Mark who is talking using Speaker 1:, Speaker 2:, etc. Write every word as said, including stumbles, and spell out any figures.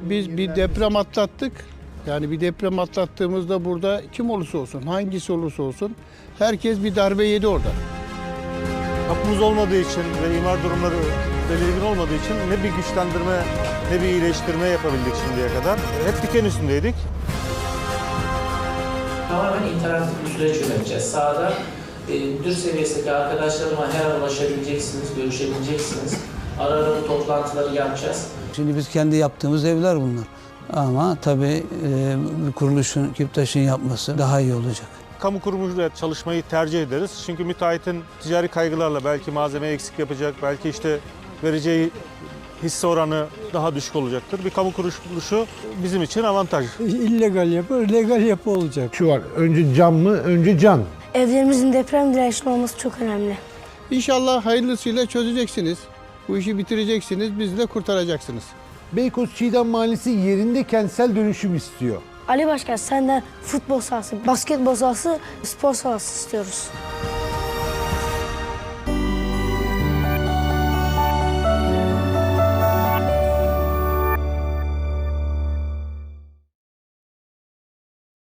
Speaker 1: biz bir deprem atlattık. Yani bir deprem atlattığımızda burada kim olursa olsun, hangisi olursa olsun herkes bir darbe yedi orada.
Speaker 2: Kapımız olmadığı için ve imar durumları belirgin olmadığı için ne bir güçlendirme ne bir iyileştirme yapabildik şimdiye kadar. Hep diken üstündeydik.
Speaker 3: Tamamen interaktif bir süreç yöneteceğiz. Sahada e, müdür seviyesindeki arkadaşlarıma her an ulaşabileceksiniz, görüşebileceksiniz. Ara ara bu toplantıları yapacağız.
Speaker 4: Şimdi biz kendi yaptığımız evler bunlar. Ama tabii e, bir kuruluşun, Kiptaş'ın yapması daha iyi olacak.
Speaker 2: Kamu kurumuyla çalışmayı tercih ederiz. Çünkü müteahhitin ticari kaygılarla belki malzeme eksik yapacak, belki işte vereceği hisse oranı daha düşük olacaktır. Bir kamu kuruluşu bizim için avantaj.
Speaker 5: İllegal yapı, legal yapı olacak.
Speaker 6: Şu var, önce cam mı, önce can.
Speaker 7: Evlerimizin deprem dirençli olması çok önemli.
Speaker 1: İnşallah hayırlısıyla çözeceksiniz. Bu işi bitireceksiniz, bizi de kurtaracaksınız.
Speaker 6: Beykoz Çiğdem Mahallesi yerinde kentsel dönüşüm istiyor.
Speaker 7: Ali Başkan senden futbol sahası, basketbol sahası, spor sahası istiyoruz.